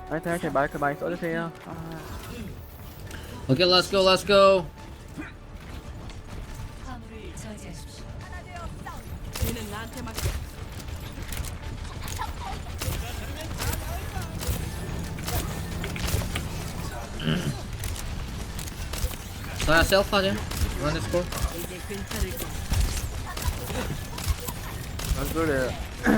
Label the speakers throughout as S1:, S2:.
S1: 하여튼 마이크 많이 써주세요.
S2: 오케이, let's go, let's go.
S3: 화물을 저지하십시오.
S4: 얘는 나한테 맡겨.
S2: 자야 셀프 하자. run this score.
S4: 이제 괜찮을 거야.
S1: 안 그래.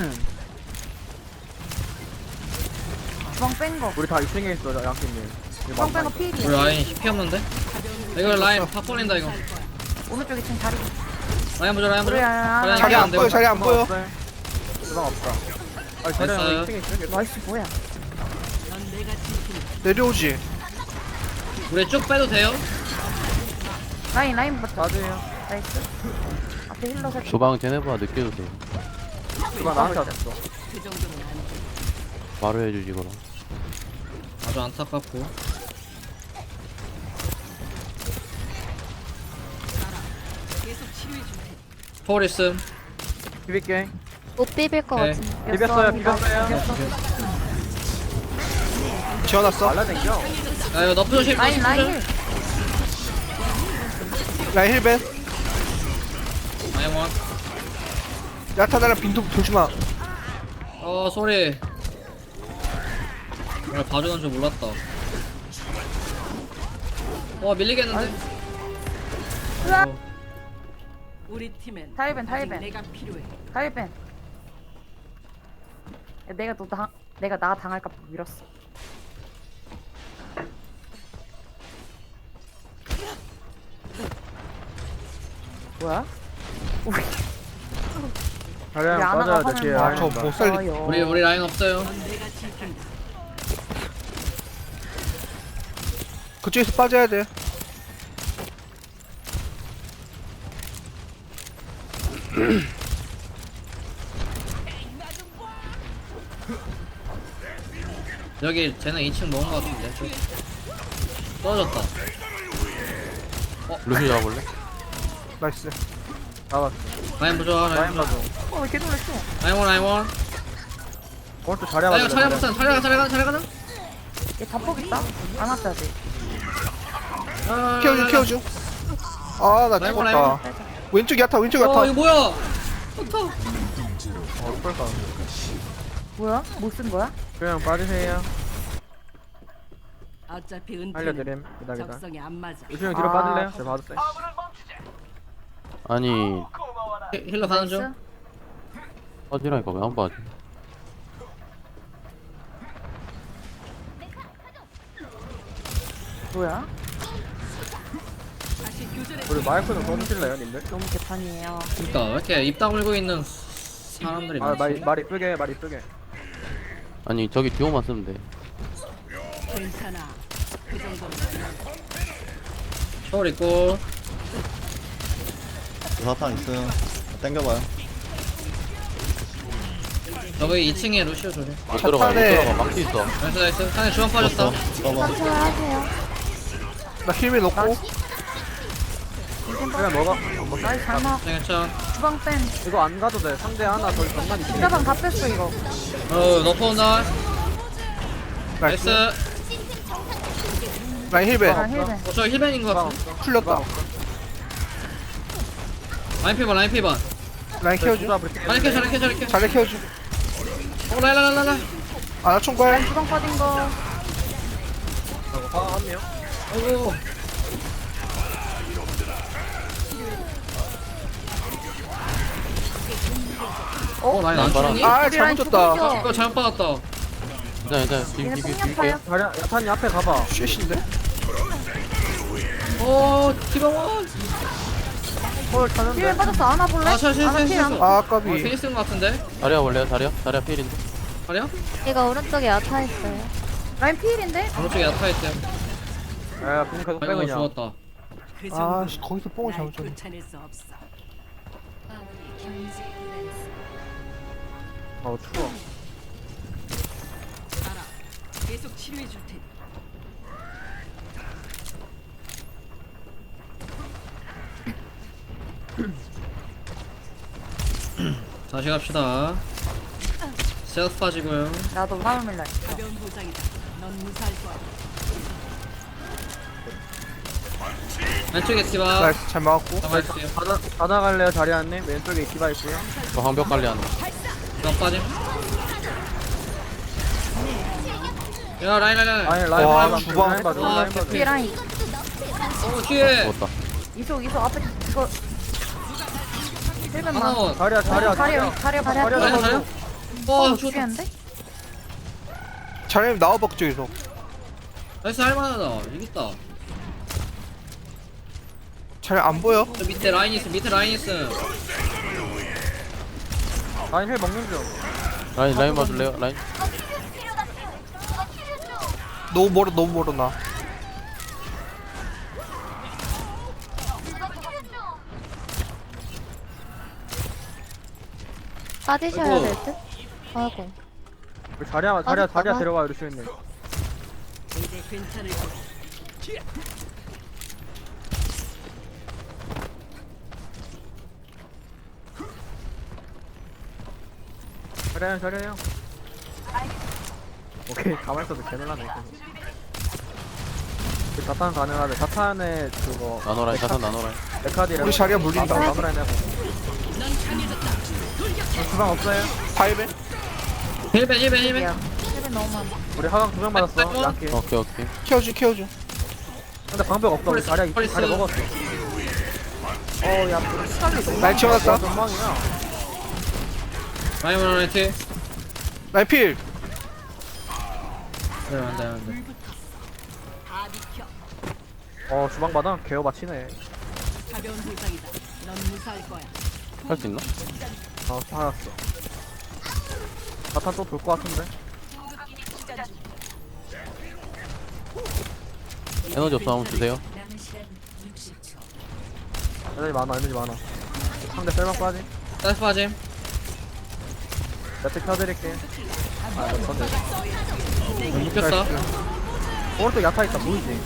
S5: 주방 뺀거
S1: 우리 다 2층에 있어, 양팀님.
S5: 주방 뺀거
S2: 우리
S5: 필이야.
S2: 라인 HP 없는데? 이거 라인 팍 걸린다 이거.
S5: 오른쪽 2층 자리.
S2: 라인 보자, 라인 보자.
S5: 그래,
S2: 라인
S6: 자리 안 보여, 자리 안 보여.
S1: 주방 없다. 아니, 자리
S2: 됐어요.
S1: 2층에 있어.
S5: 나이스 뭐야?
S4: 넌 내가 지킨다.
S6: 내려오지.
S2: 우리 쭉 빼도 돼요?
S5: 라인 맞죠?
S1: 맞아요.
S5: 나이스. 앞에 힐러 셋.
S7: 주방 쟤네보다 늦게 주세요.
S1: 주방 나한테 왔어.
S4: 그 정도는 안 돼.
S7: 바로 해주지 그럼.
S2: 아주 안타깝고.
S4: 계속 치료해 줄 테니.
S2: 폴 있음.
S1: 비빌게.
S8: 못 비빌 것
S2: 네.
S8: 같은데.
S1: 비볐어요, 비볐어요.
S6: 지어놨어.
S1: 말라댕겨.
S2: 야 이거 너프 조심.
S5: 라인 라인 힐.
S6: 라인 힐벤.
S2: 라인 원.
S6: 야타나랑 빈도 조심하.
S2: 소리. 오늘 봐주는 줄 몰랐다. 밀리겠는데?
S5: 으악.
S4: 우리 팀엔
S5: 타이벤,
S4: 아직
S5: 타이벤.
S4: 내가 필요해.
S5: 타이벤. 야, 내가 나 당할까 봐 밀었어. 뭐야? 우리
S1: 자리랑
S5: 아나가
S1: 빠져야 돼, 뒤에.
S5: 화면
S6: 저 못 살리.
S5: 좋아요.
S2: 우리 라인 없어요.
S4: 넌 내가 지킨다.
S6: 그쪽에서 빠져야 돼.
S2: 여기 쟤는 2층 먹은 것 같은데. 떨어졌다.
S7: 루시 잡아볼래?
S6: 나이스.
S1: 잡았어.
S2: 라인 보자. 라인
S1: 라인
S2: 보자.
S1: 봐줘.
S5: 왜 계속 냈어?
S2: 라인 원, 라인 원.
S1: 오른쪽 자리야
S2: 야 이거
S1: 맞아.
S2: 차량 붙어. 차량 가자.
S5: 얘 자폭 있다? 안 왔어야 돼.
S6: 키워줘, 키워줘. 아, 나
S2: 라인
S6: 죽었다. 왼쪽 야타, 왼쪽 야타.
S2: 이거 뭐야?
S1: 어떨까?
S5: 뭐야? 못 쓴 거야?
S1: 그냥 빠지세요.
S4: 어차피 은퇴는
S1: 알려드림. 기다.
S4: 적성에 안 맞아.
S1: 유수형 뒤로
S5: 아.
S1: 빠질래요? 제가 봐줬어요.
S7: 아니
S2: 힐러 가는 중.
S5: 나이스.
S7: 빠지라니까 왜 안 빠지?
S5: 뭐야?
S4: 다시 교전에
S1: 우리 마이크 좀 써주실래요, 님들?
S5: 너무 개판이에요.
S2: 그니까 왜 이렇게 입 다물고 있는 사람들이
S1: 아,
S2: 많지?
S1: 말 이쁘게, 말 이쁘게.
S7: 아니 저기 듀오만 쓰면 돼.
S4: 괜찮아. 그 정도는 안 돼.
S2: 초월 있고.
S9: 사탕 있음. 땡겨봐요.
S2: 여기 2층에 루시오 조심.
S7: 못 들어가 못
S6: 차탄에.
S7: 들어가 막히 있어.
S2: 나이스. 상에 주방 빠졌다.
S9: 써봐.
S8: 컨트롤 하세요.
S6: 나 힐벤 넣고.
S1: 그냥 먹어.
S5: 나이스 잘 먹.
S2: 괜찮.
S5: 주방 뺀.
S1: 이거 안 가도 돼. 상대 하나 더 장난 있지.
S5: 주방 다 뺐어 이거.
S2: 너프 온다.
S6: 나이스.
S2: 나이스.
S6: 라인 힐벤.
S5: 아 힐벤.
S2: 저 힐벤인 것 같아.
S6: 풀렸다.
S2: 라인 피반.
S6: 라인 키워줘.
S2: 라인 캐쳐.
S6: 자리 키워줘.
S2: 라인.
S6: 아, 나 총괄.
S5: 주방 빠진 거.
S1: 한 명.
S2: 아이고. 라인 안
S7: 봐라.
S2: 죽니?
S6: 아,
S5: 우리 라인
S6: 잘못 줬다.
S5: 죽었어.
S2: 이거 잘못 받았다.
S7: 괜찮아
S5: 얘네
S7: 비비
S5: 폭력파야.
S1: 자리, 야탄이 앞에 가봐.
S6: 쉣인데?
S2: 기방원.
S1: 헐, 타는데?
S5: 힐벤 빠졌어. 안아 볼래?
S2: 실수.
S5: 안아 힐 안.
S6: 아, 까비.
S2: 페이스인 것 같은데?
S7: 자리야 볼래요? 자리야 필인데.
S2: 아니야?
S8: 이거 오른쪽에 야타 있어요.
S5: 라인 필인데?
S2: 오른쪽에 야타있대.
S1: 야, 공 계속 빼,
S2: 아이고
S1: 그냥.
S2: 죽었다.
S4: 그
S6: 아,
S4: 정도.
S6: 씨, 거기서 뽕을 잘못 줬네.
S4: 쫓아낼 수 없어.
S3: 화물이 경제 구간에서
S1: 추워.
S4: 알아. 계속 치료해 줄 테니.
S2: 다시 갑시다. 셀프 빠지고요.
S5: 나도 화물 밀라.
S4: 가벼운 부상이다. 넌 무사할 거야.
S2: 왼쪽에 디바
S6: 나이스 잘 막았고.
S2: 잡아주세요.
S1: 받아갈래요 자리안님? 왼쪽에 디바 있고요.
S7: 저 방벽 관리하는 거.
S2: 너 빠짐. 야 라인 라인 라인.
S1: 아니 라인
S6: 와,
S1: 봐줘,
S6: 주방.
S1: 라인 봐줘,
S2: 와,
S1: 라인 봐줘.
S5: 뒤에 라인.
S2: 어 뒤에.
S7: 죽었다.
S5: 이속 앞에 이거. 1번만.
S2: 하나.
S1: 자리야 자리야
S5: 자리야
S1: 자리야.
S5: 자리야
S2: 라인
S1: 자리야.
S2: 자리야. 어 죽었다.
S5: 죽겠는데?
S6: 자리님 나와봐 쪽에서.
S2: 나이스 할만하다. 이겼다.
S6: 자리 안 보여?
S2: 저 밑에 라인 있음. 밑에 라인 있음.
S1: 라인 힐 먹는 중.
S7: 라인 봐줄래요? 라인.
S6: 너무 멀어 나.
S8: 빠지셔야
S2: 아이고.
S8: 될 듯? 아이고.
S1: 우리 자리야
S8: 빠졌다가?
S1: 데려가 루시오님.
S4: 이제 괜찮을 거야.
S1: 자리야. 오케이 가만 있어도 개놀라네. 그 자탄 가능하대. 자탄에 그거
S7: 나노라인, 자탄 나노라인.
S1: 메카디랑
S6: 우리 자리야 물린다.
S1: 나무라인 해보. 주방 없어요?
S6: 파이벤?
S2: 1벤 1벤 1벤.
S5: 야 1번 너무 많아.
S1: 우리 하강 2명 받았어. 양키.
S7: 오케이.
S6: 키워줘.
S1: 근데 방벽 없어. 우리 자리야
S2: 펄스.
S1: 자리 먹었어. 어야 시간이 너무
S6: 날 치워놨다.
S1: 전망이야.
S2: 라인 라이트.
S6: 라인 필.
S2: 안돼.
S4: 다 비켜.
S1: 주방 받아. 개어 맞히네.
S4: 가벼운 부상이다. 넌 무사할 거야.
S7: 할 수 있나?
S1: 살았어. 자탄 또 돌 것 같은데.
S7: 에너지 없어 한번 주세요.
S3: 남은 시간 60초.
S1: 에너지 많아. 상대 셀방 빠지.
S2: 나이스 빠짐.
S1: 매트 켜드릴게. 못 쳤네.
S2: 못 켰어.
S1: 오른쪽 야타 있다. 보이지?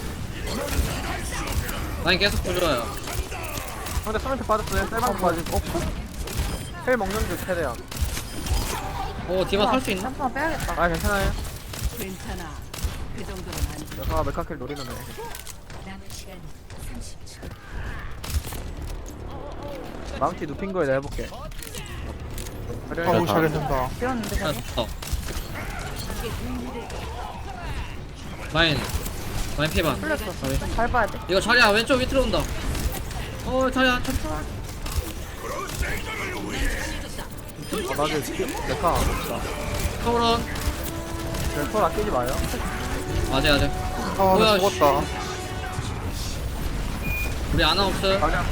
S2: 라인 계속 부조화요.
S1: 상대 서멘트 빠졌어요. 셀방 빠지고. 헬 먹는 줄 최대한.
S2: 오 디바 살 수 있나?
S5: 한번 빼야겠다.
S1: 괜찮아요.
S4: 괜찮아. 그 정도는 안 돼.
S1: 여사가 메카킬 노리는 애.
S3: 남은 시간 30초.
S1: 망치 눕힌 거에 내가 해볼게.
S6: 아우 잘했다.
S5: 비었는데
S2: 아
S5: 저기.
S2: 좋다. 라인 피반.
S5: 풀렸어. 잘 봐야 돼.
S2: 이거 자리야 왼쪽 밑으로 온다. 자리야 잠깐.
S1: 나중에 메카 안 없다.
S2: 서울원.
S1: sol 아끼지 마요.
S2: 맞아.
S6: 나
S2: 뭐야,
S6: 죽었다.
S2: 우리 아나 없어.
S1: 자리야.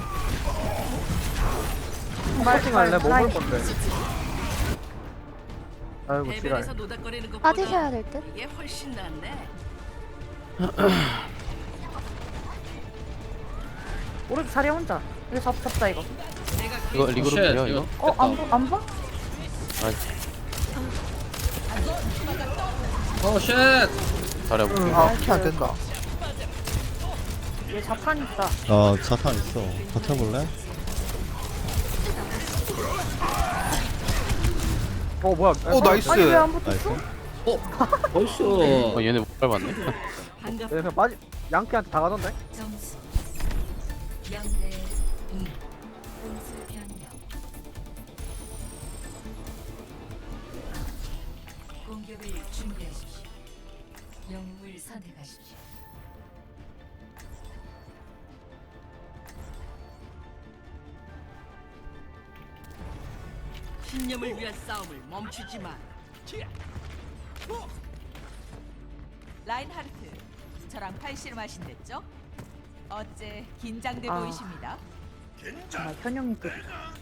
S1: 파이팅 할래? 뭐 볼 건데? 아이고 지랄.
S4: 해변에서 노닥거리는 것보다
S8: 빠지셔야 될 듯?
S4: 이게 훨씬 낫네.
S5: 오른쪽 자리 혼자. 이거 잡자 이거.
S4: 내가
S7: 이거 리그룹
S2: 쉣,
S7: 돼요 이거?
S5: 안 봐?
S2: 쉣.
S7: 잘해볼게.
S6: 키안 된다.
S5: 얘 자판 있다.
S9: 자탄 있어. 버텨볼래?
S1: 뭐야?
S6: 나이스.
S5: 아니 왜 안 붙었어?
S9: 나이스.
S2: 나이스.
S7: 얘네 못 밟았네.
S4: 반갑.
S1: 그냥 빠지. 양키한테 다 가던데?
S3: 점수 0대 2. 공수 변경. 공격을 준비하십시오. 영웅을 선택하십시오.
S4: 신념을 위한 싸움을 멈추지 마.
S10: 라인하르트, 저랑 팔씨름 하신댔죠? 어째 긴장돼
S5: 아.
S10: 보이십니다.
S5: 정말 현영이 또.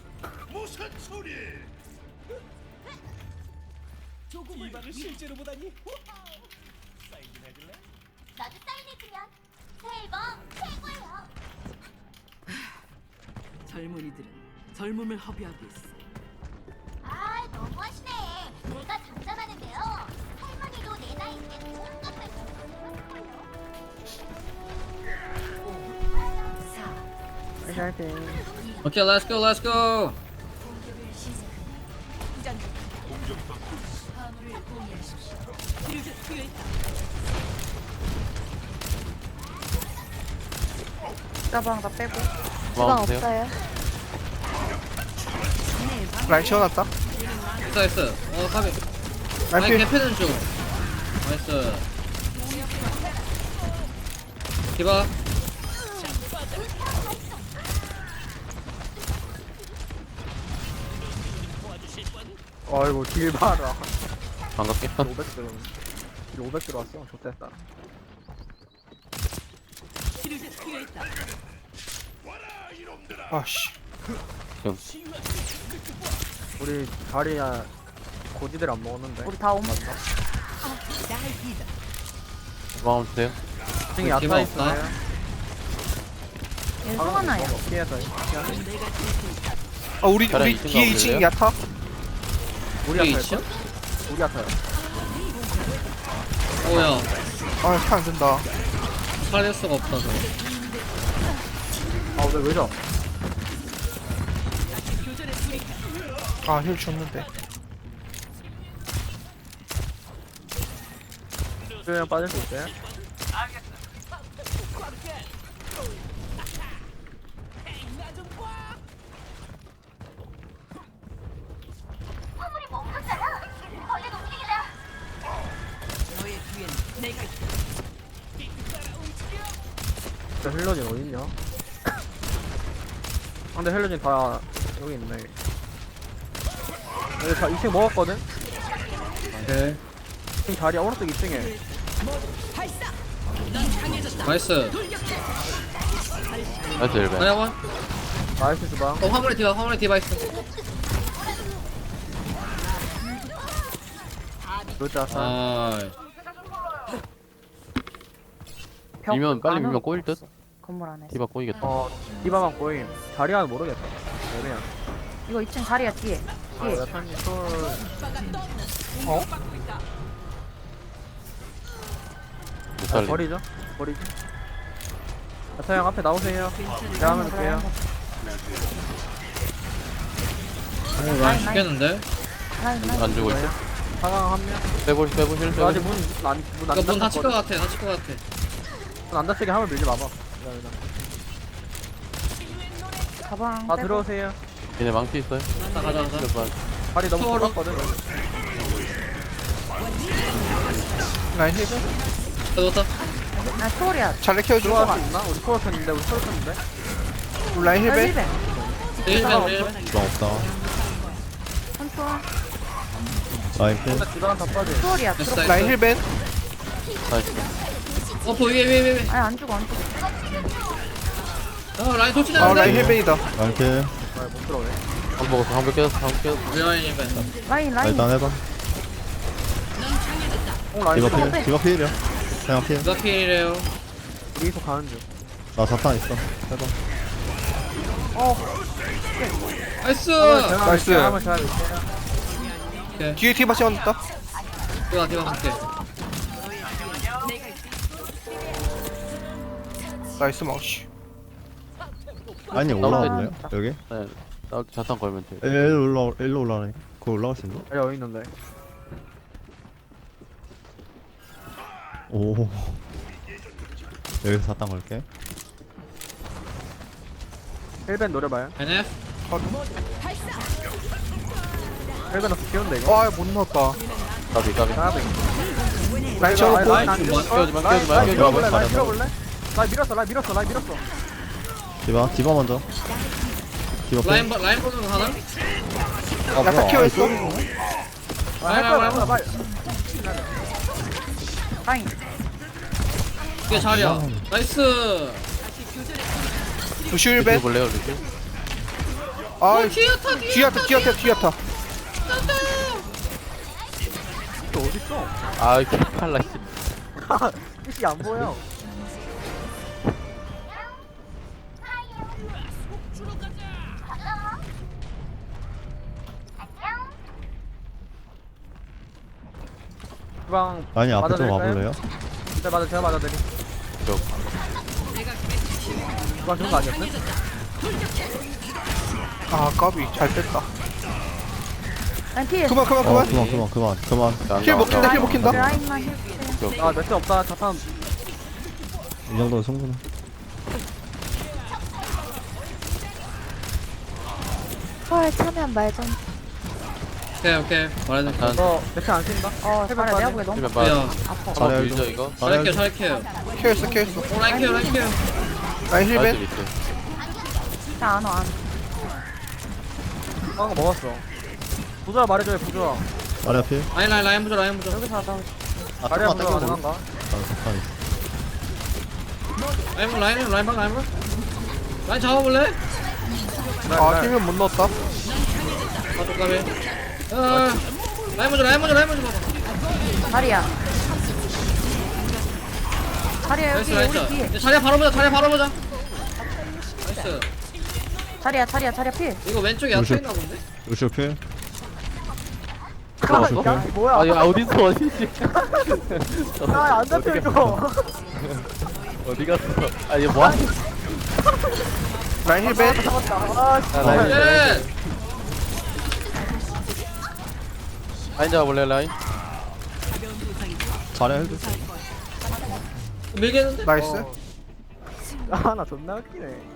S11: 나도 사인해주면 새 앨범 최고예요.
S4: 젊은이들은 젊음을 허비하고 있어.
S11: 아 너무하시네. 내가 장담하는데요. 할머니도 내 나이 때 온갖 말씀 하실걸요.
S3: 4.
S5: 잘 돼.
S2: 오케이 렛츠고.
S3: 공격을 시작합니다.
S10: 부장
S3: 화물을 공유하십시오.
S5: 짜방 다 빼고.
S8: 주방
S7: 마음 주세요.
S8: 없어요.
S6: 라인 채워놨다.
S2: 나이스. 가비.
S6: 라인
S2: 아니
S6: 필.
S2: 개패는 중. 나이스. 디바.
S1: 아이고 딜 봐라.
S7: 반갑게.
S1: 500 딜 500 들어왔어. 좋됐다.
S6: 아씨.
S1: 우리 자리야 고지들 안 먹었는데.
S5: 우리 다 옴.
S7: 마음 주세요.
S1: 층에
S2: 디바
S1: 야타
S2: 없다.
S1: 있어요.
S5: 얘 송하나요.
S1: 피해서.
S6: 아 우리
S7: 자리야,
S6: 우리
S7: 2층
S6: 뒤에
S7: 가볼래요?
S6: 2층 야타.
S1: 우리
S2: 여기
S1: 야타
S2: 있죠?
S1: 우리 야타요.
S2: 오야.
S6: 아차 안된다.
S2: 살릴 수가 없다. 저거.
S1: 아 왜 저?
S6: 아힐 줬는데.
S1: 그냥 빠질 수 있어요?
S11: 화물이 멈췄잖아. 얼른 움직이자.
S4: 너의 뒤에는 내가 있다.
S1: 저 헬로진 어딨냐? 근데 헬로진 다 여기 있네. 여기 다 2층 먹었거든?
S2: 오케이.
S1: 2층 자리야 오른쪽 2층에.
S2: 나이스.
S7: 나이스 1배.
S2: 하나만.
S1: 나이스 주방.
S2: 화물에 디바 있어.
S1: 그렇지 않아.
S2: 아.
S7: 밀면 빨리 밀면 꼬일 듯?
S5: 건물 안에.
S7: 디바 꼬이겠다.
S1: 디바만 보임. 자리야는 모르겠다. 그냥.
S5: 이거 2층 자리야 뒤에. 뒤에.
S1: 야타님 솔.
S7: 못
S1: 아,
S7: 살림.
S1: 버리죠? 버리지. 야타 형 앞에 나오세요. 제가 하면 될게요.
S2: 난 죽겠는데?
S7: 안 주고 있어.
S1: 상황 한 명.
S7: 빼볼 힐
S1: 저 아직
S7: 빼볼.
S1: 문안
S2: 이거 문 닫힐 것 같아. 닫힐 것 같아.
S1: 안 닫히게 하면 밀지 마봐.
S5: 가방.
S1: 다
S5: 빼고.
S1: 들어오세요.
S7: 얘네 망치 있어요.
S2: 가자.
S1: 발이 너무
S2: 서로.
S1: 좁았거든.
S6: 라인 힐.
S2: 넣었다.
S5: 나 초월이야.
S6: 잘래 키워줘.
S1: 들어갈 수 있나? 우리 초월 켰는데 우리 초월 켰는데.
S6: 우리 라인
S5: 나
S6: 힐배.
S5: 1배.
S2: 1배.
S9: 주방 없다.
S5: 선초월.
S9: 라인 필.
S1: 일단 주방 다 빠져.
S5: 초월이야.
S2: 됐어.
S5: 들어.
S6: 라인 힐배.
S7: 나이스.
S2: 위에.
S5: 아니 안 죽어 안 죽어.
S2: 라인
S6: 아
S2: 도치나는데.
S6: 라인 힐배이다.
S9: 라인 필.
S1: 못 들어오네.
S7: 한 먹었어. 한번 깨졌어. 한번 깨졌어.
S2: 우리 라인이면.
S5: 라인 라인.
S9: 일단 해봐.
S1: 라인
S9: 디바 필. 디바 필이야. 그냥 필.
S2: 누가 킬이래요?
S1: 여기서 가는 중.
S9: 나 자탄 있어. 해봐.
S2: 나이스.
S6: 나이스.
S1: 한번 제가 밀게요.
S2: 오케이.
S6: 뒤에 디바 채워놨다.
S2: 디바 갈게.
S6: 나이스 망치.
S9: 아니 올라올래요? 여기?
S7: 네. 나 자탄 걸면 돼.
S9: 일로 올라오네. 그거 올라갈 수 있나?
S1: 여기 있는데.
S9: 오. 여기서 자탄 걸게.
S1: 헬벤 노려봐요.
S2: NF.
S1: 헬벤 없어 귀여운데 이거.
S6: 아못 넣었다.
S7: 까비.
S6: 라인 채워놓고.
S1: 라인
S7: 깨우지 마.
S1: 밀어볼래? 라인 밀어볼래? 라인 밀었어.
S9: 디바 먼저. 디바 필.
S2: 라인 보는 거 하나?
S6: 야타 키워있어.
S1: 할 거야.
S5: 라인.
S2: 이게 자리야. 나이스.
S6: 루시 힐배.
S7: 볼래요, 루시?
S6: 아
S2: 뒤야타.
S6: 뒤야타.
S1: 또 어딨어?
S7: 아, 팔라.
S1: 뜻이 안 보여. 주방
S9: 아니 앞에 좀
S1: 맞아드릴까요?
S9: 와볼래요?
S1: 네, 제가 맞아드리.
S7: 저.
S1: 주방 좋은 거 아니었어?
S6: 아 까비 잘 뺐다.
S5: 라인 필.
S6: 그만 그만 그만.
S9: 그만.
S6: 힐 먹힌다 힐 먹힌다.
S5: 라인만 힐.
S1: 아 매트 없다 자탄.
S9: 이 정도는 충분해.
S8: 헐 차면 말 좀.
S2: 오케이 말해도 돼.
S1: 너 매트 안 쓴다?
S5: 어
S1: 해볼
S5: 잘해
S1: 거야,
S5: 내가 보기에 너무
S7: 힐맨
S2: 야
S7: 봐.
S5: 아파.
S7: 한번 밀죠 이거.
S2: 잘할게요.
S6: 케어했어 케어했어.
S2: 라인 케어.
S6: 라인
S7: 나이스
S6: 힐벤.
S7: 밑에.
S5: 나안 와.
S1: 거 먹었어. 부조야 말해줘요 부조야.
S9: 마리아 필.
S2: 라인 보자.
S1: 여기서 하다.
S9: 아
S1: 다리
S9: 잠깐만
S1: 한번
S9: 땡겨
S1: 가능한가?
S9: 볼게.
S2: 라인 잡아볼래?
S6: 아 힐벤 못 넣었다.
S2: 가비. 라인 먼저 봐봐.
S5: 다리야. 다리야
S2: 나이스
S5: 여기 우리 뒤에.
S2: 나이스. 자리야 바로 보자. 나이스.
S5: 자리야 필.
S2: 이거 왼쪽에
S9: 루시오.
S2: 약쳐 있나 본데?
S9: 루시오 필.
S1: 야, 뭐야?
S7: 아니 어딨어 어디지?
S1: 안 잡혀 이거.
S7: 어디 갔어? 아 이거 뭐야?
S6: 라인 힐벤.
S2: 예.
S7: 라인 잡아볼래 라인?
S9: 자리아 헬드.
S2: 밀겠는데?
S6: 나이스.
S1: 아나 존나 웃기네.